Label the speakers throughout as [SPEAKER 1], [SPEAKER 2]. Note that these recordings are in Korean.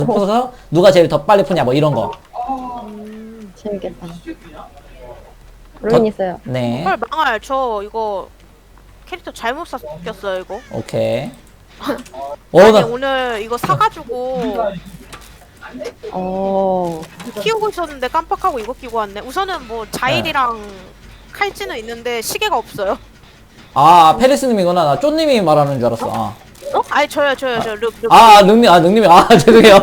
[SPEAKER 1] 풀어서 누가 제일 더 빨리 푸냐 뭐 이런 거.
[SPEAKER 2] 재밌겠다. 룬 있어요.
[SPEAKER 1] 네.
[SPEAKER 3] 헐 망할 저 이거 캐릭터 잘못 샀겼어요 이거.
[SPEAKER 1] 오케이.
[SPEAKER 3] 아니
[SPEAKER 1] 나
[SPEAKER 3] 오늘 이거 사가지고 키우고 있었는데 깜빡하고 이거 끼고 왔네. 우선은 뭐 자일이랑 칼찌는 있는데 시계가 없어요.
[SPEAKER 1] 아, 페리스님이구나. 나 쪼님이 말하는 줄 알았어. 아.
[SPEAKER 3] 어? 아니 저요 저 룩.
[SPEAKER 1] 능님. 아, 죄송해요.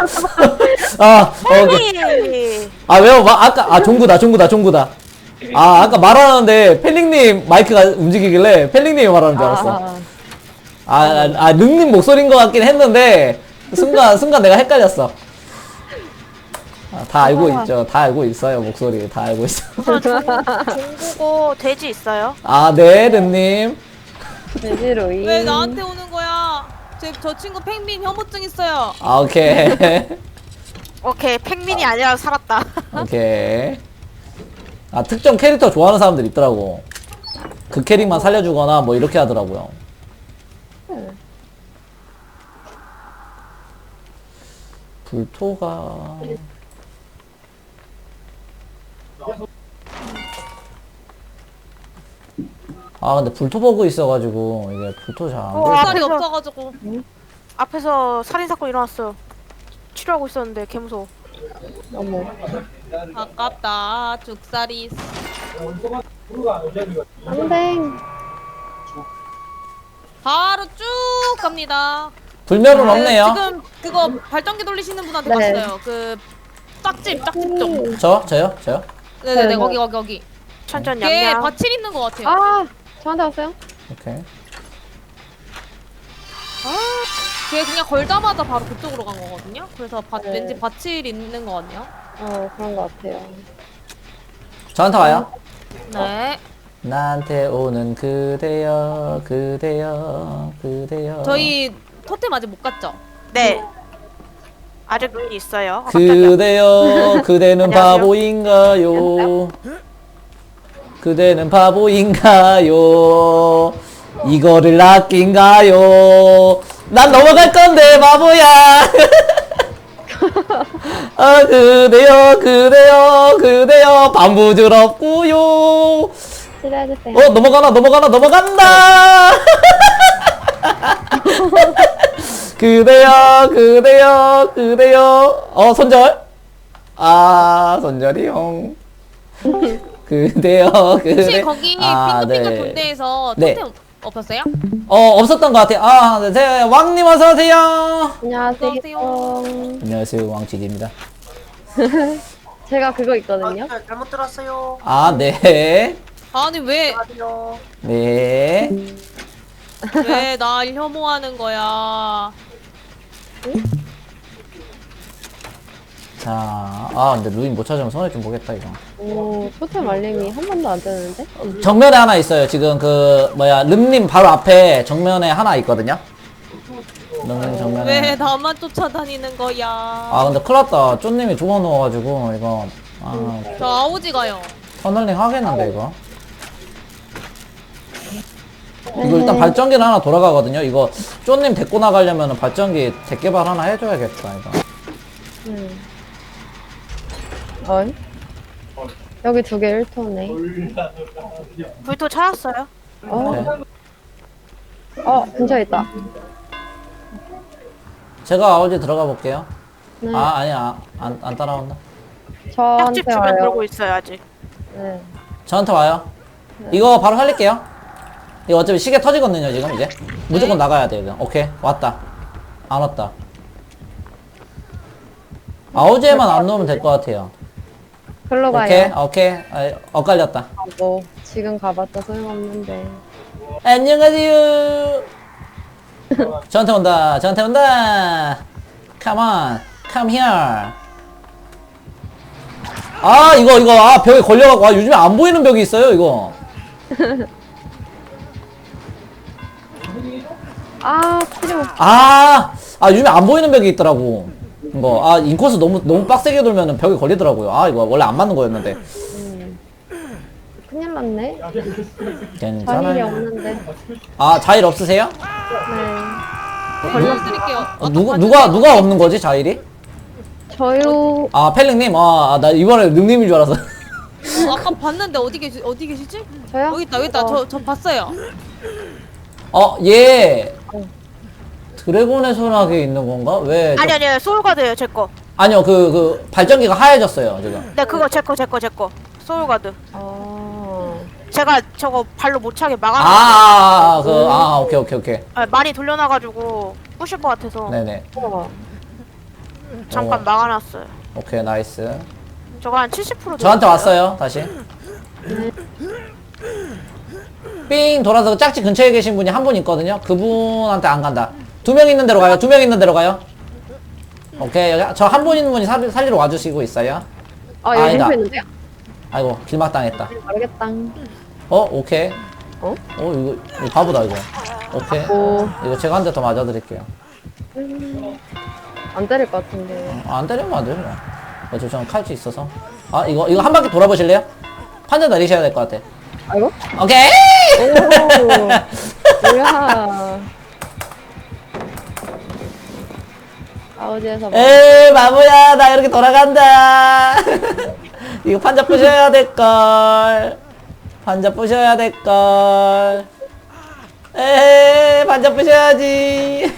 [SPEAKER 1] 오케이.
[SPEAKER 3] 아니
[SPEAKER 1] 왜요? 아까, 종구다. 아까 말하는데, 펠링님 마이크가 움직이길래, 펠링님이 말하는 줄 알았어. 능님 목소리인 것 같긴 했는데, 순간 내가 헷갈렸어. 다 알고 있죠. 다 알고 있어요. 목소리. 다 알고 있어.
[SPEAKER 3] 우선 종구고 돼지 있어요?
[SPEAKER 1] 네, 능님.
[SPEAKER 2] 돼지로이.
[SPEAKER 4] 왜 나한테 오는 거야? 저 친구 펭귄 혐오증 있어요.
[SPEAKER 1] 오케이.
[SPEAKER 3] 오케이 팽민이 아니라 살았다.
[SPEAKER 1] 오케이. 특정 캐릭터 좋아하는 사람들 있더라고. 그 캐릭만 살려주거나 뭐 이렇게 하더라고요. 불토가 근데 불토버그 있어가지고 이게 불토 잘 안돼.
[SPEAKER 4] 살이 없어가지고.
[SPEAKER 3] 앞에서 살인사건 일어났어요. 치료하고 있었는데 개무서워.
[SPEAKER 2] 어머.
[SPEAKER 4] 아깝다. 죽살이.
[SPEAKER 2] 안돼.
[SPEAKER 4] 바로 쭉 갑니다.
[SPEAKER 1] 불멸은 없네요.
[SPEAKER 4] 지금 그거 발전기 돌리시는 분한테
[SPEAKER 2] 네.
[SPEAKER 4] 봤어요. 그 짝집 좀.
[SPEAKER 1] 저요?
[SPEAKER 4] 네네네
[SPEAKER 2] 네,
[SPEAKER 4] 거기.
[SPEAKER 3] 천천히
[SPEAKER 4] 걔
[SPEAKER 3] 냠냠.
[SPEAKER 4] 밭일 있는 것 같아요.
[SPEAKER 2] 저한테 왔어요?
[SPEAKER 1] 오케이.
[SPEAKER 4] 걔 그냥 걸자마자 바로 그쪽으로 간 거거든요. 그래서
[SPEAKER 2] 네.
[SPEAKER 4] 왠지 밭일 있는 것 같네요.
[SPEAKER 2] 그런 것 같아요.
[SPEAKER 1] 저한테 와요.
[SPEAKER 4] 네.
[SPEAKER 1] 나한테 오는 그대여.
[SPEAKER 4] 저희 토템 아직 못 갔죠?
[SPEAKER 3] 네. 아직 눈이 있어요.
[SPEAKER 1] 그대여, 그대는
[SPEAKER 3] 안녕하세요.
[SPEAKER 1] 바보인가요? 그대는 바보인가요? 이거를 아낀가요? 난 넘어갈 건데 바보야. 그대여 반부드럽고요.
[SPEAKER 2] 치료해주세요.
[SPEAKER 1] 넘어간다. 그대여. 손절. 손절이 형. 그대여.
[SPEAKER 4] 혹시 거기 핑크핑크
[SPEAKER 1] 네.
[SPEAKER 4] 군대에서
[SPEAKER 1] 네.
[SPEAKER 4] 토템 없었어요?
[SPEAKER 1] 없었던 것 같아요. 네, 왕님 어서오세요.
[SPEAKER 2] 안녕하세요.
[SPEAKER 1] 안녕하세요, 왕치기입니다.
[SPEAKER 2] 제가 그거 있거든요.
[SPEAKER 3] 잘못 들었어요.
[SPEAKER 1] 네.
[SPEAKER 4] 아니 왜
[SPEAKER 1] 네.
[SPEAKER 4] 날 혐오하는 거야?
[SPEAKER 1] 자, 근데 루인 못 찾으면 손해 좀 보겠다, 이거.
[SPEAKER 2] 토템 알림이 한 번도 안 뜨는데?
[SPEAKER 1] 정면에 하나 있어요. 지금 름님 바로 앞에 정면에 하나 있거든요. 름님 정면에.
[SPEAKER 4] 왜 나만 쫓아다니는 거야?
[SPEAKER 1] 근데 큰일 났다. 쪼님이 죽어 넣어가지고, 이거.
[SPEAKER 4] 저 아오지 가요.
[SPEAKER 1] 터널링 하겠는데, 이거. 이거 일단 발전기는 하나 돌아가거든요. 이거 쪼님 데리고 나가려면 발전기 대개발 하나 해줘야겠다, 이거.
[SPEAKER 2] 여기 두 개 1토네.
[SPEAKER 3] 불토 찾았어요?
[SPEAKER 1] 네.
[SPEAKER 2] 근처에 있다.
[SPEAKER 1] 제가 아우지 들어가 볼게요.
[SPEAKER 2] 네.
[SPEAKER 1] 아니야. 안 따라온다.
[SPEAKER 2] 저한테
[SPEAKER 3] 짝집 주변
[SPEAKER 2] 와요.
[SPEAKER 3] 돌고 있어요 아직.
[SPEAKER 2] 네.
[SPEAKER 1] 저한테 와요. 이거 바로 살릴게요. 이거 어차피 시계 터지거든요, 지금 이제. 무조건 나가야 돼, 이거. 오케이. 왔다. 안 왔다. 아우지에만 안 넣으면 될 것 같아요.
[SPEAKER 2] 글로 가요.
[SPEAKER 1] 오케이. 엇갈렸다.
[SPEAKER 2] 지금 가봤자 소용없는데.
[SPEAKER 1] 안녕하세요. 저한테 온다. Come on. Come here. 이거, 벽에 걸려갖고, 요즘에 안 보이는 벽이 있어요, 이거.
[SPEAKER 2] 필요.
[SPEAKER 1] 요즘에 안 보이는 벽이 있더라고. 이거, 인코스 너무 빡세게 돌면은 벽에 걸리더라고요. 이거 원래 안 맞는 거였는데.
[SPEAKER 2] 큰일 났네. 자일이
[SPEAKER 1] 괜찮아요.
[SPEAKER 2] 없는데.
[SPEAKER 1] 자일 없으세요?
[SPEAKER 2] 네.
[SPEAKER 4] 걸려드릴게요.
[SPEAKER 1] 누가 없는 거지, 자일이?
[SPEAKER 2] 저요.
[SPEAKER 1] 아, 펠링님? 나 이번에 능님인 줄 알았어.
[SPEAKER 4] 아까 봤는데 어디 계시지?
[SPEAKER 2] 저요?
[SPEAKER 4] 여기 있다, 여기 있다. 저 봤어요.
[SPEAKER 1] 얘
[SPEAKER 2] 어.
[SPEAKER 1] 드래곤의 소나기에 있는 건가? 왜?
[SPEAKER 3] 아니 소울가드예요 제 거.
[SPEAKER 1] 아니요, 그 발전기가 하얘졌어요, 지금.
[SPEAKER 3] 네 그거 제 거. 소울가드.
[SPEAKER 2] 아.
[SPEAKER 3] 제가 저거 발로 못 차게
[SPEAKER 1] 오케이.
[SPEAKER 3] 많이 돌려놔가지고 부실 것 같아서
[SPEAKER 1] 네네.
[SPEAKER 2] 우와.
[SPEAKER 3] 잠깐 막아놨어요.
[SPEAKER 1] 오케이, 나이스.
[SPEAKER 3] 저거 한 70%
[SPEAKER 1] 저한테 왔어요, 다시. 삥 돌아서 짝지 근처에 계신 분이 한 분 있거든요. 그분한테 안 간다. 2명 있는 데로 가요. 2명 있는 데로 가요. 오케이, 여기 저 한 분 있는 분이 살리러 와주시고 있어요.
[SPEAKER 2] 아, 여기
[SPEAKER 1] 아니다.
[SPEAKER 2] 림프 있는데요?
[SPEAKER 1] 아이고, 길막당했다.
[SPEAKER 2] 모르겠다.
[SPEAKER 1] 오케이.
[SPEAKER 2] 어?
[SPEAKER 1] 이거 바보다, 이거. 오케이.
[SPEAKER 2] 오.
[SPEAKER 1] 이거 제가 한 대 더 맞아드릴게요.
[SPEAKER 2] 안 때릴 것 같은데.
[SPEAKER 1] 안 때리면 안 돼요. 어차피 저는 칼치 있어서. 이거 한 바퀴 돌아보실래요? 판자 내리셔야 될 것 같아.
[SPEAKER 2] 아이고?
[SPEAKER 1] 오케이!
[SPEAKER 2] 오. 뭐야. 아우지에서
[SPEAKER 1] 에이, 바보야. 나 이렇게 돌아간다. 이거 판자 부셔야 될걸. 판자 부셔야 될걸. 에이, 판자 부셔야지.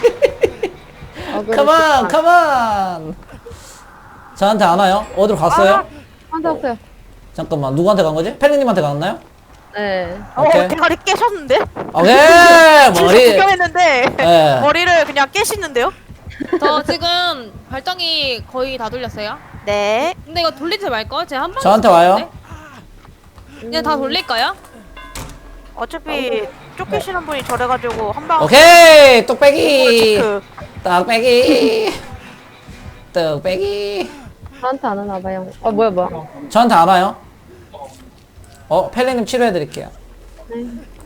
[SPEAKER 1] 컴온, 컴온. 저한테 안 와요? 어디로 갔어요?
[SPEAKER 2] 한대 없어요.
[SPEAKER 1] 잠깐만, 누구한테 간 거지? 펠링님한테 갔나요?
[SPEAKER 2] 네.
[SPEAKER 1] 오케이.
[SPEAKER 3] 대가리 깨셨는데?
[SPEAKER 1] 오케이! 머리.
[SPEAKER 3] 구경했는데
[SPEAKER 1] 네.
[SPEAKER 3] 머리를 그냥 깨시는데요?
[SPEAKER 4] 저 지금 발정이 거의 다 돌렸어요.
[SPEAKER 3] 네.
[SPEAKER 4] 근데 이거 돌리지 말걸? 제가 한 번.
[SPEAKER 1] 저한테 와요?
[SPEAKER 4] 그냥 다 돌릴까요?
[SPEAKER 3] 어차피 쫓기시는 분이 저래가지고 한방
[SPEAKER 1] 오케이! 뚝배기!
[SPEAKER 3] 체크.
[SPEAKER 1] 떡배기! 떡배기!
[SPEAKER 2] 저한테 안 하나 봐요. 뭐야.
[SPEAKER 1] 저한테 안 와요? 펠리님 치료해드릴게요.
[SPEAKER 2] 네.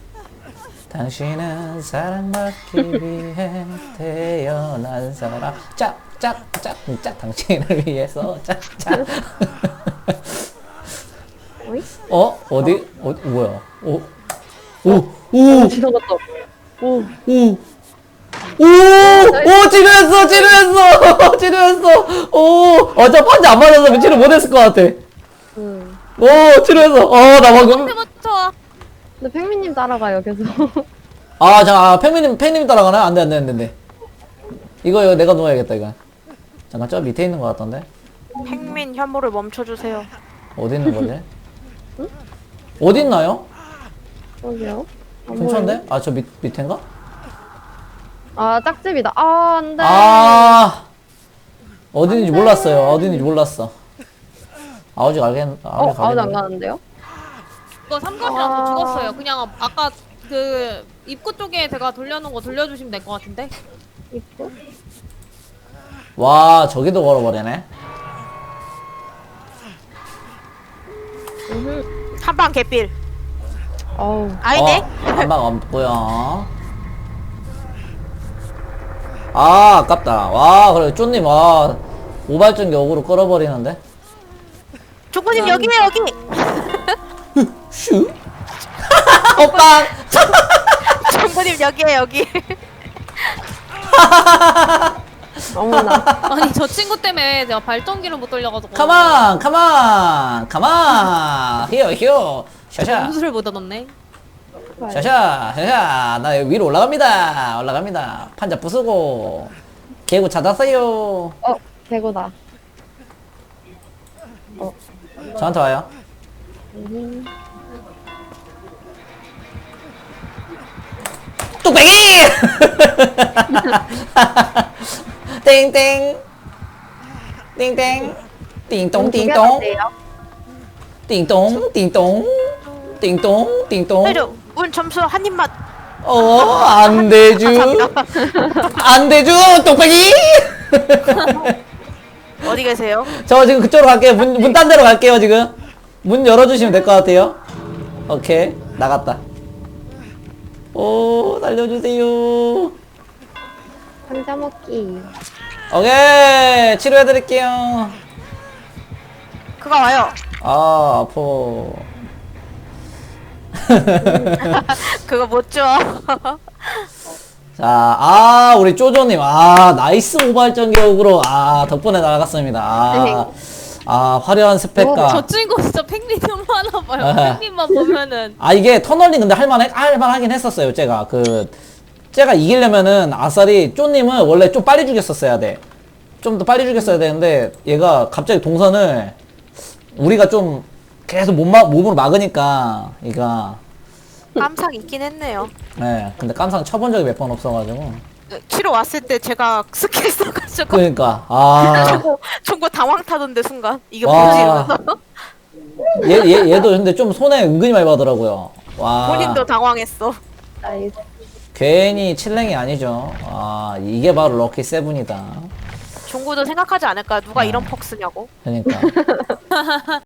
[SPEAKER 1] 당신은 사랑받기 위해 태어난 사람. 짝, 당신을 위해서 짝짝.
[SPEAKER 2] 어이?
[SPEAKER 1] 어디? 뭐야? 오!
[SPEAKER 2] 지나갔다. 오.
[SPEAKER 1] 치료했어! 저 판자 안 맞아서 치료 못했을 것 같아. 치료했어. 나 방금.
[SPEAKER 4] 때부터
[SPEAKER 2] 근데 팽미님 따라가요, 계속.
[SPEAKER 1] 팽님 따라가나요? 안 돼. 이거 내가 놓아야겠다, 이거. 잠깐, 저 밑에 있는 것 같던데?
[SPEAKER 3] 팽민 혐오를 멈춰주세요.
[SPEAKER 1] 어디 있는 거지? 어디 있나요?
[SPEAKER 2] 여기요?
[SPEAKER 1] 근처인데? 저 밑인가?
[SPEAKER 2] 짝집이다. 안 돼.
[SPEAKER 1] 어딘지 몰랐어요. 아직
[SPEAKER 2] 아우지 안 가는데요?
[SPEAKER 4] 이거 삼각이랑 죽었어요. 그냥 아까 그 입구 쪽에 제가 돌려놓은 거 돌려주시면 될 것 같은데.
[SPEAKER 2] 있고.
[SPEAKER 1] 와, 저기도 걸어버리네.
[SPEAKER 3] 한방 개필.
[SPEAKER 2] 어우.
[SPEAKER 3] 아니네.
[SPEAKER 1] 한방 없고요. 아깝다. 와, 그래, 쪼님, 오발전기 어그로 끌어버리는데?
[SPEAKER 3] 조구님 여기에요 여기.
[SPEAKER 1] 슈? 오빠!
[SPEAKER 3] 조구님 여기에요 여기.
[SPEAKER 2] 어머나.
[SPEAKER 4] 아니 저 친구 때문에 제가 발전기를 못 돌려가지고.
[SPEAKER 1] 가만! 히어! 샤샤!
[SPEAKER 4] 무술을 못 얻었네.
[SPEAKER 1] 샤샤! 나 위로 올라갑니다. 판자 부수고. 개구 찾았어요.
[SPEAKER 2] 개고다.
[SPEAKER 1] 저한테 와요. 뚝배기! 땡땡. 띵동. 띵동.
[SPEAKER 3] 해줘. 운 점수 한 입만.
[SPEAKER 1] 안 되죠. 뚝배기!
[SPEAKER 3] 어디 계세요?
[SPEAKER 1] 저 지금 그쪽으로 갈게요. 문 딴 데로 갈게요, 지금. 문 열어주시면 될 것 같아요. 오케이. 나갔다. 살려주세요.
[SPEAKER 2] 상자 먹기.
[SPEAKER 1] 오케이. 치료해드릴게요.
[SPEAKER 3] 그가 와요.
[SPEAKER 1] 아파.
[SPEAKER 3] 그거 못 줘.
[SPEAKER 1] 자, 우리 쪼조님, 나이스 오발전 교육으로, 덕분에 나갔습니다. 화려한 스펙과.
[SPEAKER 4] 저 친구 진짜 팽님 너무 하나 봐요.
[SPEAKER 1] 네.
[SPEAKER 4] 팽님만 보면은
[SPEAKER 1] 이게 터널링 근데 할만하긴 했었어요, 제가. 제가 이기려면은 아싸리 쪼님은 원래 좀 빨리 죽였었어야 돼. 좀 더 빨리 죽였어야 되는데, 얘가 갑자기 동선을, 우리가 좀 계속 몸으로 막으니까, 얘가.
[SPEAKER 3] 깜상 있긴 했네요.
[SPEAKER 1] 네, 근데 깜상 쳐본 적이 몇 번 없어가지고.
[SPEAKER 3] 치러 왔을 때 제가 스킬 써가지고
[SPEAKER 1] 그러니까,
[SPEAKER 3] 총고 당황 타던데 순간 이게
[SPEAKER 1] 와.
[SPEAKER 3] 뭐지?
[SPEAKER 1] 얘도 근데 좀 손해 은근히 많이 받더라고요. 와.
[SPEAKER 3] 본인도 당황했어.
[SPEAKER 2] 나이스.
[SPEAKER 1] 괜히 칠랭이 아니죠. 이게 바로 럭키 세븐이다.
[SPEAKER 3] 종구도 생각하지 않을까? 누가
[SPEAKER 1] 네.
[SPEAKER 3] 이런 퍽 쓰냐고.
[SPEAKER 1] 그러니까.